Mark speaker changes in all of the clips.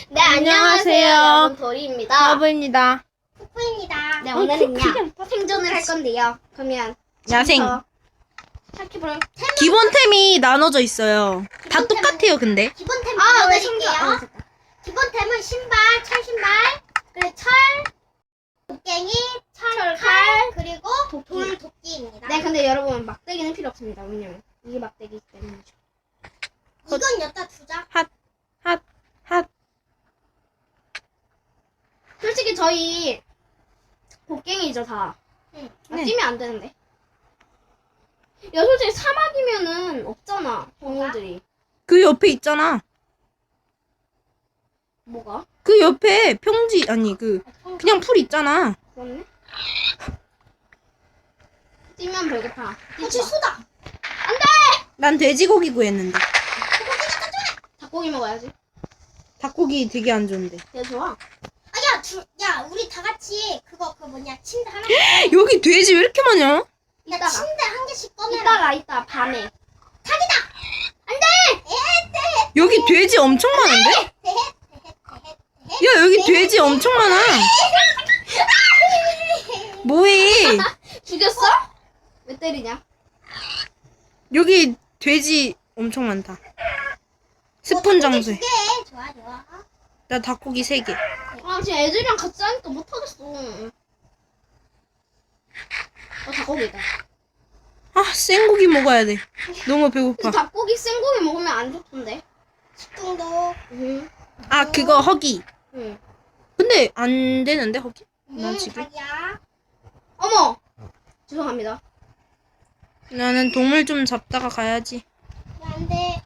Speaker 1: 네, 안녕하세요. 여러분, 도리입니다.
Speaker 2: 러브입니다.
Speaker 1: 푸푸입니다. 네, 오늘은요, 생존을 할 건데요. 그러면,
Speaker 2: 야생.
Speaker 1: 시작해볼
Speaker 2: 기본템이 나눠져 있어요. 다 똑같아요, 근데.
Speaker 1: 기본템
Speaker 3: 왜
Speaker 1: 보여드릴게요.
Speaker 3: 기본템은 신발, 철신발, 그리고 철, 곡괭이, 철칼, 그리고 돌도끼입니다.
Speaker 1: 네, 근데 여러분, 막대기는 필요 없습니다. 왜냐면, 이게 막대기이기 때문이죠.
Speaker 3: 이건 여기다 두자.
Speaker 2: 핫.
Speaker 1: 솔직히 저희, 곡괭이죠, 다.
Speaker 3: 응.
Speaker 2: 네.
Speaker 1: 뛰면 안 되는데. 야, 솔직히 사막이면은 없잖아, 동물들이.
Speaker 2: 그 옆에 있잖아.
Speaker 1: 뭐가?
Speaker 2: 그 옆에 평지, 아니, 그냥 풀 있잖아.
Speaker 1: 그렇네. 뛰면 배고파.
Speaker 3: 혹시 수다.
Speaker 2: 난 돼지고기 구했는데.
Speaker 1: 닭고기 먹어야지.
Speaker 2: 닭고기 되게 안 좋은데.
Speaker 1: 되게 좋아.
Speaker 3: 야, 우리 다 같이 그거 뭐냐, 침대 하나.
Speaker 2: 여기 돼지 왜 이렇게 많냐?
Speaker 3: 야,
Speaker 1: 이따가.
Speaker 3: 침대 한 개씩 꺼내라.
Speaker 1: 이따 밤에.
Speaker 2: 여기 돼지 엄청 많은데? 야, 여기 돼지 엄청 많아. 뭐해?
Speaker 1: 죽였어? 왜 때리냐?
Speaker 2: 여기 돼지 엄청 많다. 스폰 장소에.
Speaker 3: 좋아, 좋아.
Speaker 2: 나 닭고기 3개.
Speaker 1: 아, 지금 애들이랑 같이 하니까 못하겠어. 닭고기다.
Speaker 2: 아, 생고기 먹어야 돼. 너무 배고파.
Speaker 1: 근데 닭고기 생고기 먹으면 안 좋던데.
Speaker 3: 식중독.
Speaker 1: 응.
Speaker 2: 아, 그거 허기.
Speaker 1: 응.
Speaker 2: 근데 안 되는데 허기? 나 지금.
Speaker 3: 자기야.
Speaker 1: 어머! 죄송합니다.
Speaker 2: 나는 동물 좀 잡다가 가야지.
Speaker 3: 야, 안 돼.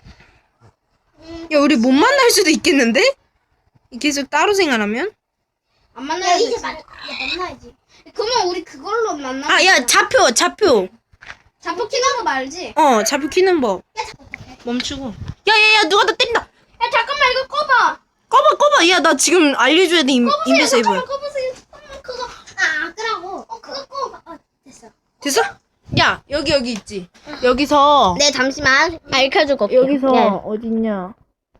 Speaker 2: 야, 우리 못 만날 수도 있겠는데? 계속 따로 생활하면?
Speaker 1: 안
Speaker 3: 야,
Speaker 1: 만나야지.
Speaker 3: 이제 만나야지.
Speaker 1: 그러면 우리 그걸로 만나.
Speaker 2: 아, 야, 좌표.
Speaker 1: 잡혀 키는 거 말지?
Speaker 2: 좌표 키는 법. 멈추고. 야, 누가 나 때린다.
Speaker 1: 야, 잠깐만, 이거 꺼봐!
Speaker 2: 꺼봐. 야, 나 지금 알려줘야 돼, 인베세이브.
Speaker 1: 잠깐만, 꺼보세요. 잠깐만, 그거.
Speaker 3: 끄라고. 그거 꺼. 됐어.
Speaker 2: 됐어? 야, 여기 있지. 여기서.
Speaker 1: 네, 잠시만. 알려주고 올게요.
Speaker 2: 여기서, 어딨냐.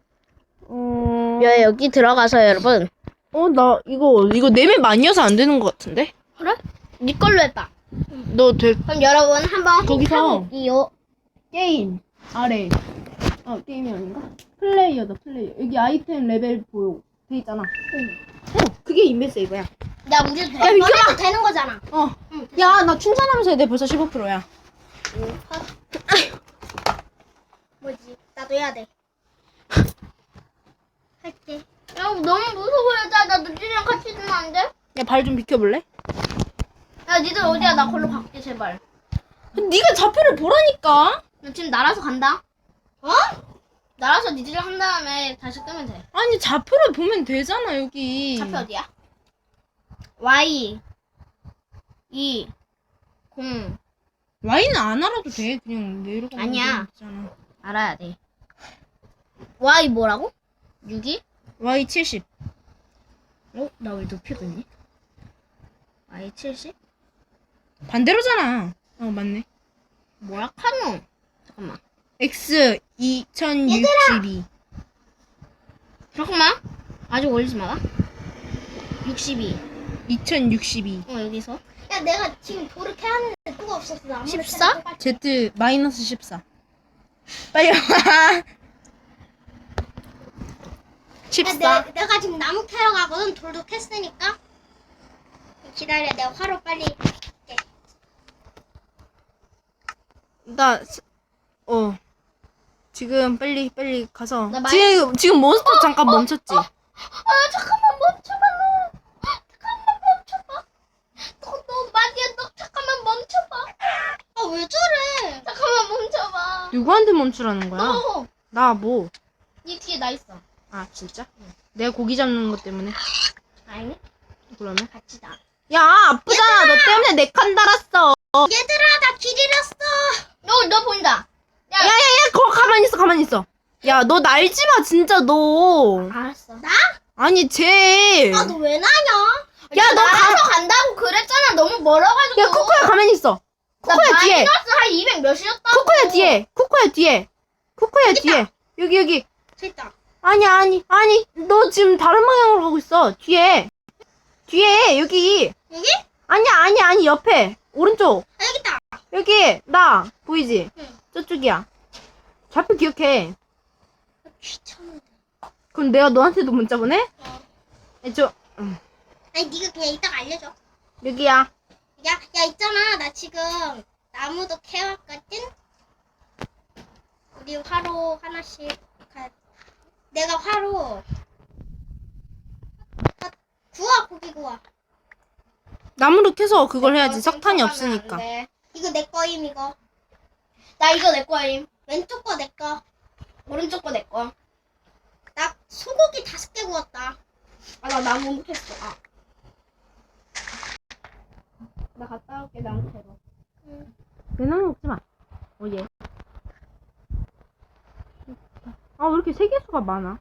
Speaker 1: 여기 들어가서 여러분.
Speaker 2: 나 이거 내면 많이 해서 안 되는 것 같은데?
Speaker 1: 그래? 네 걸로 해봐.
Speaker 2: 너
Speaker 1: 그럼 여러분 한번
Speaker 2: 거기서
Speaker 1: 이요.
Speaker 2: 게임 아래 게임이 아닌가? 플레이어다 플레이어. 여기 아이템 레벨 보여 돼 있잖아. 그게 인베세이브야.
Speaker 3: 야, 우리도
Speaker 2: 야, 비켜봐.
Speaker 3: 되는 거잖아.
Speaker 2: 야, 나 충전하면서 내 벌써 15%야.
Speaker 3: 뭐지? 나도 해야 돼. 할게.
Speaker 1: 야, 너무 무서워요. 나 너희랑 같이 있으면 안 돼?
Speaker 2: 야, 발 좀 비켜볼래?
Speaker 1: 야, 니들 어디야? 나 걸로 갈게, 제발.
Speaker 2: 네가 좌표를 보라니까.
Speaker 1: 나 지금 날아서 간다. 날아서 니들이랑 한 다음에 다시 끄면 돼.
Speaker 2: 아니, 좌표를 보면 되잖아, 여기.
Speaker 1: 좌표 어디야? Y 2 0
Speaker 2: Y는 안 알아도 돼. 그냥 내려가.
Speaker 1: 아니야.
Speaker 2: 되잖아.
Speaker 1: 알아야 돼. Y 뭐라고? 6이?
Speaker 2: Y 70.
Speaker 1: 나 왜 높이 걷니? Y 70?
Speaker 2: 반대로잖아. 맞네.
Speaker 1: 뭐야, 카노? 잠깐만.
Speaker 2: X 2062.
Speaker 1: 잠깐만. 아직 올리지 마라. 62.
Speaker 2: 2062.
Speaker 1: 여기서.
Speaker 3: 야, 내가 지금 돌을 캐야 하는데 누가 없었어. 나 아무리
Speaker 1: 14?
Speaker 3: 캐도 똑같아.
Speaker 2: Z 마이너스 14. 빨리 와. 14.
Speaker 3: 야, 내가 지금 나무 캐러 가거든. 돌도 캤으니까. 기다려. 내가 화로 빨리 할게.
Speaker 2: 지금 빨리 가서.
Speaker 1: 나 마이-
Speaker 2: 지금 몬스터 잠깐 멈췄지.
Speaker 1: 잠깐만 멈춰봐, 너. 잠깐만 멈춰봐. 너 마디야, 너 잠깐만 멈춰봐.
Speaker 3: 아, 왜 저래?
Speaker 1: 잠깐만 멈춰봐.
Speaker 2: 누구한테 멈추라는 거야?
Speaker 1: 너.
Speaker 2: 나 뭐?
Speaker 1: 니 뒤에 나 있어.
Speaker 2: 아, 진짜? 내가 고기 잡는 것 때문에.
Speaker 1: 아니네.
Speaker 2: 그러면?
Speaker 1: 같이 나.
Speaker 2: 야, 아프잖아. 너 때문에 내 칸 달았어.
Speaker 3: 얘들아, 나 길 잃었어.
Speaker 1: 너 보인다.
Speaker 2: 야, 거기 가만히 있어. 야, 너 날지 마, 진짜 너.
Speaker 1: 알았어.
Speaker 2: 아니, 쟤.
Speaker 3: 아, 너 왜 나냐?
Speaker 2: 야, 너
Speaker 1: 나가서 간다고 그랬잖아. 너무 멀어가지고.
Speaker 2: 야, 코코야 가만히 있어.
Speaker 1: 나
Speaker 2: 코코야 뒤에.
Speaker 1: 마이너스 한 200 몇이었다고.
Speaker 2: 코코야 뒤에. 코코야 뒤에. 여기.
Speaker 3: 됐다.
Speaker 2: 아니. 너 지금 다른 방향으로 가고 있어. 뒤에, 여기.
Speaker 3: 여기?
Speaker 2: 아니, 옆에. 오른쪽.
Speaker 3: 아, 여기 있다.
Speaker 2: 여기, 나. 보이지?
Speaker 3: 응.
Speaker 2: 저쪽이야. 좌표 기억해.
Speaker 3: 귀찮은데.
Speaker 2: 그럼 내가 너한테도 문자 보내?
Speaker 3: 어.
Speaker 2: 아니,
Speaker 3: 아니, 네가 그냥 이따가 알려줘.
Speaker 2: 여기야.
Speaker 3: 야, 있잖아. 나 지금 나무도 캐왔거든? 우리 화로 하나씩 내가 화로 구워, 고기 구워.
Speaker 2: 나무로 캐서 그걸 해야지. 석탄이 없으니까.
Speaker 3: 이거 내 거임, 이거.
Speaker 1: 나 이거 내 거임.
Speaker 3: 왼쪽 거 내 거.
Speaker 1: 오른쪽 거 내 거.
Speaker 3: 나 소고기 5개 구웠다.
Speaker 1: 아, 나 나무 못 했어. 아. 나 갔다 올게, 나무 캐러.
Speaker 2: 내 나무 먹지 마. 예. 아, 왜 이렇게 세계수가 많아?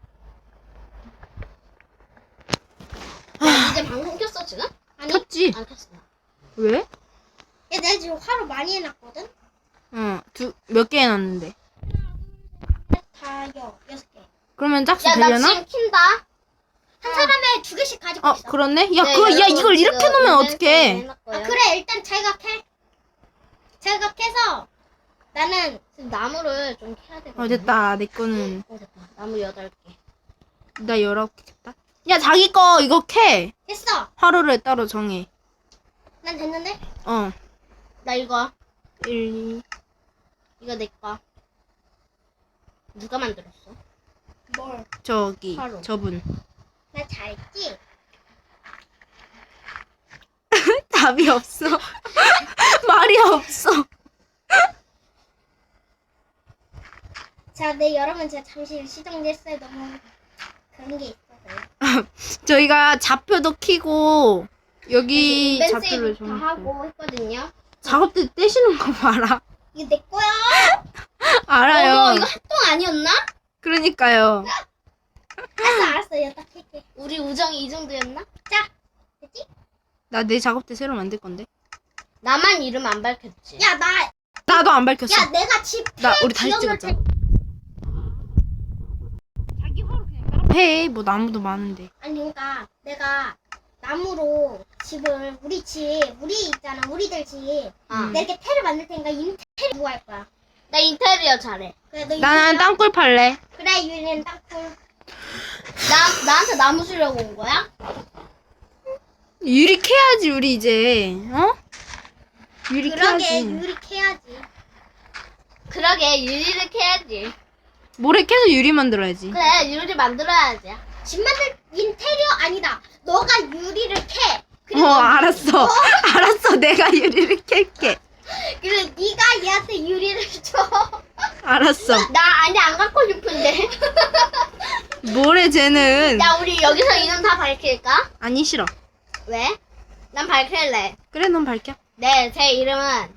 Speaker 1: 야, 이제 방송 켰어, 지금?
Speaker 3: 아니,
Speaker 2: 켰지?
Speaker 1: 안 켰어.
Speaker 2: 왜?
Speaker 3: 야, 내가 지금 화로 많이 해놨거든?
Speaker 2: 응, 몇 개 해놨는데.
Speaker 3: 다 6개.
Speaker 2: 그러면 짝수
Speaker 1: 야, 나
Speaker 2: 되려나?
Speaker 1: 지금 킨다.
Speaker 3: 한 사람에 2개씩 가지고 있어.
Speaker 2: 그렇네? 야,
Speaker 1: 네,
Speaker 2: 야,
Speaker 1: 여러분,
Speaker 2: 이걸 이렇게
Speaker 1: 지금
Speaker 2: 놓으면
Speaker 1: 인벤토리
Speaker 2: 어떡해?
Speaker 1: 해놨고요.
Speaker 3: 아, 그래, 일단 자기가 캐. 자기가 캐서 나는
Speaker 1: 지금 나무를 좀 캐야 되거든.
Speaker 2: 됐다. 내 거는,
Speaker 1: 됐다. 나무 8개.
Speaker 2: 나 19개 겠다. 야, 자기 거 이거 캐.
Speaker 3: 했어.
Speaker 2: 하루를 따로 정해.
Speaker 3: 난 됐는데?
Speaker 1: 나 이거.
Speaker 2: 1, 2.
Speaker 1: 이거 내 거. 누가 만들었어?
Speaker 3: 뭘?
Speaker 2: 저기,
Speaker 1: 하루.
Speaker 2: 저분.
Speaker 3: 나 잘했지?
Speaker 2: 답이 없어. 말이 없어.
Speaker 3: 자, 네, 여러분, 제가 잠시 시정됐어요. 너무 그런 게 있어서요.
Speaker 2: 저희가 좌표도 키고, 여기
Speaker 1: 인벤
Speaker 2: 좌표를
Speaker 1: 세이브 다
Speaker 2: 좀.
Speaker 1: 하고 했거든요.
Speaker 2: 작업대 떼시는 거 봐라.
Speaker 3: 이거 내 거야.
Speaker 2: 알아요.
Speaker 1: 어머, 이거 합동 아니었나?
Speaker 2: 그러니까요.
Speaker 3: 알았어. 여기다 캘게.
Speaker 1: 우리 우정이 이 정도였나?
Speaker 3: 자, 됐지?
Speaker 2: 나 내 작업대 새로 만들 건데.
Speaker 1: 나만 이름 안 밝혔지.
Speaker 3: 야,
Speaker 2: 나도 안 밝혔어.
Speaker 3: 야, 내가 집
Speaker 2: 우리 다시 찍었잖아. 자기 화로 그냥 해. 뭐 나무도 많은데.
Speaker 3: 아니, 그러니까 내가 나무로 집을 우리 있잖아. 우리들 집.
Speaker 2: 음.
Speaker 3: 내가 이렇게 테를 만들 테니까 인테리어 누가 할 거야?
Speaker 1: 나 인테리어 잘해.
Speaker 3: 그래, 너
Speaker 2: 나는
Speaker 3: 인테리어?
Speaker 2: 땅굴 팔래.
Speaker 3: 그래, 유리는 땅굴.
Speaker 1: 나한테 나무 주려고 온 거야?
Speaker 2: 유리 캐야지 우리 이제. 유리
Speaker 3: 그러게,
Speaker 2: 캐야지.
Speaker 3: 유리 캐야지.
Speaker 1: 그러게, 유리를 캐야지.
Speaker 2: 모래 캐서 유리 만들어야지.
Speaker 1: 그래, 유리 만들어야지.
Speaker 3: 집 만들 인테리어 아니다. 너가 유리를 캐. 그리고
Speaker 2: 알았어. 알았어. 내가 유리를 캘게.
Speaker 3: 그리고 네가 얘한테 유리를 줘.
Speaker 2: 알았어.
Speaker 1: 나 아니 안 갖고 싶은데.
Speaker 2: 모래 쟤는.
Speaker 1: 야, 우리 여기서 이름 다 밝힐까?
Speaker 2: 아니 싫어.
Speaker 1: 왜? 난 밝힐래.
Speaker 2: 그래 넌 밝혀.
Speaker 1: 네, 제 이름은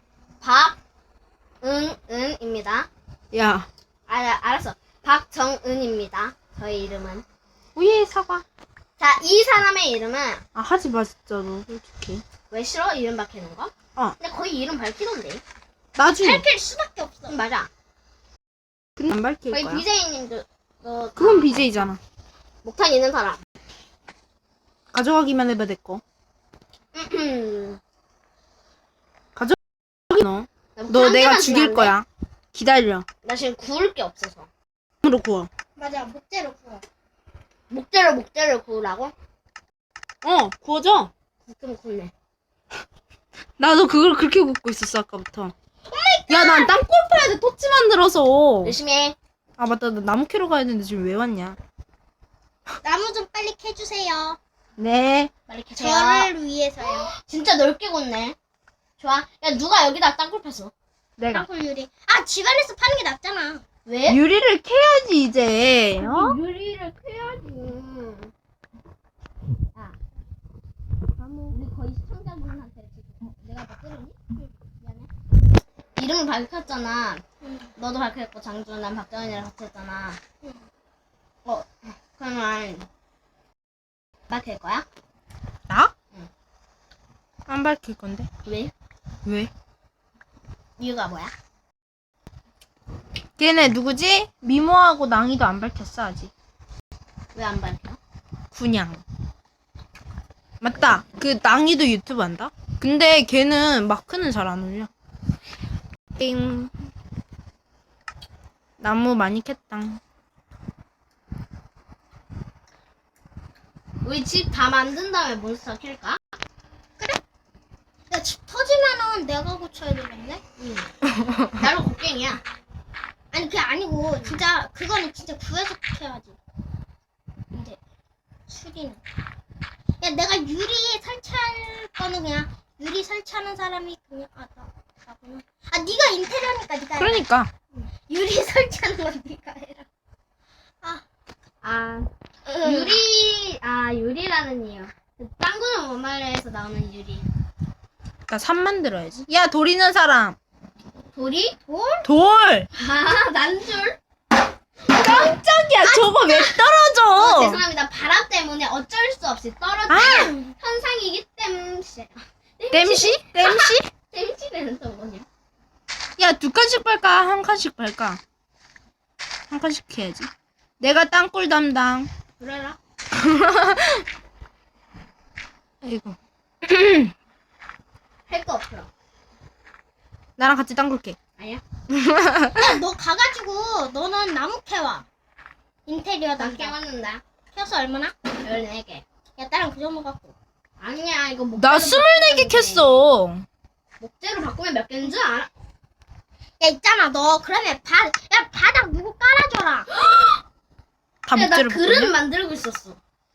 Speaker 1: 박은은입니다.
Speaker 2: 야.
Speaker 1: 알았어. 박정은입니다. 저의 이름은.
Speaker 2: 오예 사과.
Speaker 1: 자, 이 사람의 이름은
Speaker 2: 하지 마 진짜로 솔직히.
Speaker 1: 왜 싫어? 이름 밝히는 거? 근데 거의 이름 밝히던데.
Speaker 2: 나중에.
Speaker 3: 밝힐 수밖에 없어.
Speaker 1: 맞아.
Speaker 2: 근데 안 밝힐
Speaker 1: 거의
Speaker 2: 거야.
Speaker 1: BJ님도
Speaker 2: 그건 BJ잖아.
Speaker 1: 목탄 있는 사람.
Speaker 2: 가져가기만 해봐 내 거. 너 내가 죽일 거야. 기다려.
Speaker 1: 나 지금 구울 게 없어서.
Speaker 2: 으로 구워.
Speaker 3: 맞아, 목재로 구워.
Speaker 1: 목재를 구우라고?
Speaker 2: 구워져.
Speaker 1: 굽긴 굽네.
Speaker 2: 나도 그걸 그렇게 굽고 있었어 아까부터. 야, 난 땅굴 파야 돼. 토치 만들어서.
Speaker 1: 열심히 해.
Speaker 2: 아 맞다. 나 나무 캐러 가야 되는데 지금 왜 왔냐?
Speaker 3: 나무 좀 빨리 캐주세요.
Speaker 2: 네.
Speaker 1: 빨리 캐세요.
Speaker 3: 저를 위해서요.
Speaker 1: 진짜 넓게 굽네. 좋아. 야, 누가 여기다 땅굴 팠어?
Speaker 2: 내가.
Speaker 3: 땅굴 유리. 아, 집안에서 파는 게 낫잖아.
Speaker 1: 왜?
Speaker 2: 유리를 캐야지 이제.
Speaker 1: 유리를 캐야지. 야, 우리 거의 시청자분한테 지금 내가 뭐 때렸니? 미안해. 이름을 밝혔잖아. 너도 밝혔고 장준, 난 박정현이랑 같이 했잖아. 그러면 밝힐 거야?
Speaker 2: 나?
Speaker 1: 응.
Speaker 2: 안 밝힐 건데.
Speaker 1: 왜?
Speaker 2: 왜?
Speaker 1: 이유가 뭐야?
Speaker 2: 걔네 누구지? 미모하고 낭이도 안 밝혔어 아직.
Speaker 1: 왜 안 밝혀?
Speaker 2: 그냥. 맞다. 그 낭이도 유튜브 한다? 근데 걔는 마크는 잘 안 올려. 띵. 나무 많이 캤다.
Speaker 1: 우리 집 다 만든 다음에 몬스터 킬까?
Speaker 3: 야, 집 터지면은 내가 고쳐야 되겠네?
Speaker 1: 응. 나로 곡괭이야.
Speaker 3: 아니, 그게 아니고, 진짜, 그거는 진짜 구해서 해야지. 근데, 수리는. 야, 내가 유리 설치할 거는 그냥, 유리 설치하는 사람이 그냥, 나구나. 아, 네가 인테리어니까 네가 해라.
Speaker 2: 그러니까.
Speaker 3: 유리 설치하는 건 네가 해라.
Speaker 1: 유리라는 이유. 땅구는 원말에서 나오는 유리.
Speaker 2: 나 산 만들어야지. 야, 돌 있는 사람.
Speaker 1: 돌이?
Speaker 2: 돌!
Speaker 1: 아, 난 줄.
Speaker 2: 깜짝이야. 저거 왜 떨어져?
Speaker 1: 죄송합니다. 바람 때문에 어쩔 수 없이 떨어진
Speaker 2: 아!
Speaker 1: 현상이기 때문에.
Speaker 2: 땜시? 땜시?
Speaker 1: 땜시는 또 뭐냐?
Speaker 2: 야, 2칸씩 팔까? 1칸씩 팔까? 1칸씩 해야지. 내가 땅굴 담당.
Speaker 1: 그래라.
Speaker 2: 아이고.
Speaker 1: 할 거 없어.
Speaker 2: 나랑 같이 땅굴 캐.
Speaker 1: 아니야?
Speaker 3: 야, 너 가가지고, 너는 나무 캐와. 인테리어
Speaker 1: 나
Speaker 3: 담당.
Speaker 1: 깨웠는다.
Speaker 3: 캐서 얼마나?
Speaker 1: 14개.
Speaker 3: 야, 나랑 그 정도 갖고.
Speaker 1: 아니야, 이거 목재로
Speaker 2: 나 24개 캤어.
Speaker 1: 목재로 바꾸면 몇 개인 줄 알아?
Speaker 3: 야, 있잖아, 너. 그러면 야, 바닥 누구 깔아줘라.
Speaker 2: 다
Speaker 1: 야, 나
Speaker 2: 목재로
Speaker 1: 그릇
Speaker 2: 바꾸냐?
Speaker 1: 만들고 있었어.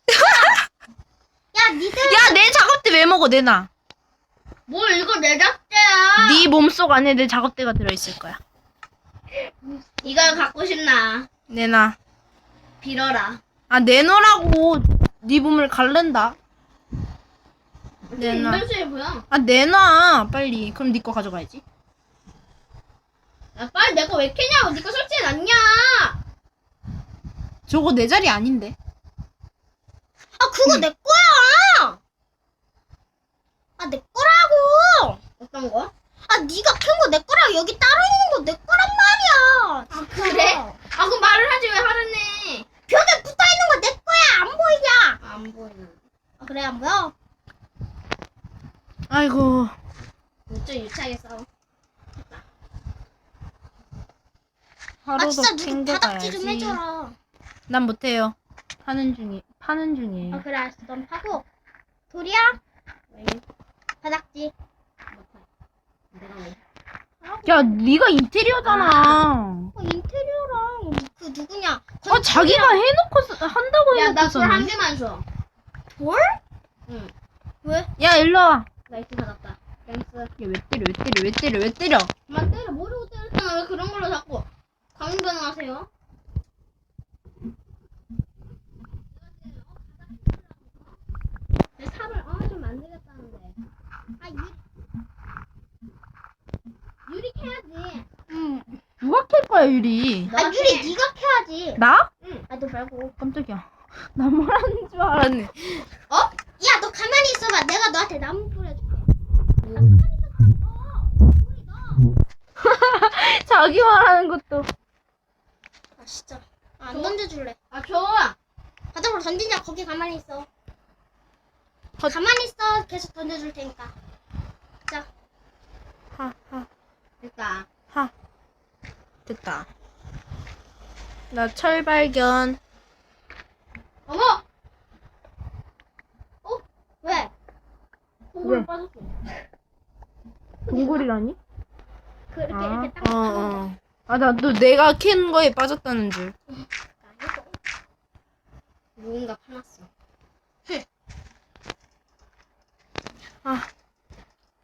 Speaker 3: 야, 니들.
Speaker 2: 야, 내 작업대 왜 먹어? 내놔.
Speaker 1: 뭘 이거 내 작대야.
Speaker 2: 네 몸속 안에 내 작업대가 들어있을 거야.
Speaker 1: 이걸 갖고 싶나?
Speaker 2: 내놔.
Speaker 1: 빌어라.
Speaker 2: 아, 내놓으라고. 네 몸을 갈른다. 내놔.
Speaker 1: 인벤수에 보여.
Speaker 2: 아, 내놔. 빨리. 그럼 네 거 가져가야지.
Speaker 1: 야, 빨리 내가 왜 캐냐고. 니가 설치해놨냐.
Speaker 2: 저거 내 자리 아닌데.
Speaker 3: 아, 그거 내 거야. 아, 내 거라고.
Speaker 1: 어떤 거?
Speaker 3: 아, 네가 캔 거 내 거라고. 여기 따로 있는 거 내 거란 말이야.
Speaker 1: 아, 그래? 아, 그럼 말을 하지 왜 하라네.
Speaker 3: 벽에 붙어 있는 거 내 거야. 안 보이냐?
Speaker 1: 안 보이네.
Speaker 3: 아, 그래, 안 보여?
Speaker 2: 아이고.
Speaker 1: 좀 유치하게 싸워.
Speaker 3: 아,
Speaker 2: 하루도
Speaker 3: 진짜 누구 바닥지 좀
Speaker 2: 챙겨가야지.
Speaker 3: 해줘라.
Speaker 2: 난 못해요. 파는
Speaker 3: 아,
Speaker 2: 중이에요.
Speaker 3: 그래, 알았어. 넌 파고. 돌이야?
Speaker 1: 왜?
Speaker 3: 바닥지.
Speaker 1: 못해. 내가 왜?
Speaker 2: 야, 네가 인테리어잖아.
Speaker 3: 인테리어랑 그 누구냐?
Speaker 2: 아, 자기가 해놓고 한다고
Speaker 1: 야, 나
Speaker 2: 해놓고서.
Speaker 1: 돌 한 개만 줘.
Speaker 3: 돌?
Speaker 1: 응.
Speaker 3: 왜?
Speaker 2: 야, 일로 와.
Speaker 1: 나이스 받았다. 땡스.
Speaker 2: 야, 왜 때려, 왜 때려, 왜 때려, 왜 때려.
Speaker 1: 그만 때려. 모르고 때렸잖아. 왜 그런 걸로 자꾸 강변하세요? 내 삽을 좀 만들겠다는데.
Speaker 3: 아,
Speaker 1: 유리 캐야지.
Speaker 2: 누가 캘 거야, 유리?
Speaker 3: 아, 유리 네가 캐야지.
Speaker 2: 나?
Speaker 3: 아, 너 말고.
Speaker 2: 깜짝이야. 나 뭐라는 줄 알았네.
Speaker 3: 어? 야, 너 가만히 있어봐. 내가 너한테 나무 뿌려줄게.
Speaker 2: 자기 말하는 것도.
Speaker 3: 아, 진짜. 안 던져줄래.
Speaker 1: 아, 좋아.
Speaker 3: 바닥으로 던지냐? 거기 가만히 있어.
Speaker 2: 헛.
Speaker 3: 가만히 있어. 계속 던져줄 테니까. 자,
Speaker 2: 하, 하,
Speaker 1: 됐다.
Speaker 2: 하. 됐다. 나 철 발견.
Speaker 1: 어머!
Speaker 3: 왜?
Speaker 1: 동굴
Speaker 2: 왜?
Speaker 1: 빠졌어.
Speaker 2: 동굴이라니?
Speaker 3: 그렇게
Speaker 2: 아,
Speaker 3: 이렇게 딱.
Speaker 2: 아, 나 또 내가 캔 거에 빠졌다는 줄.
Speaker 1: 누군가 파놨어.
Speaker 2: 아,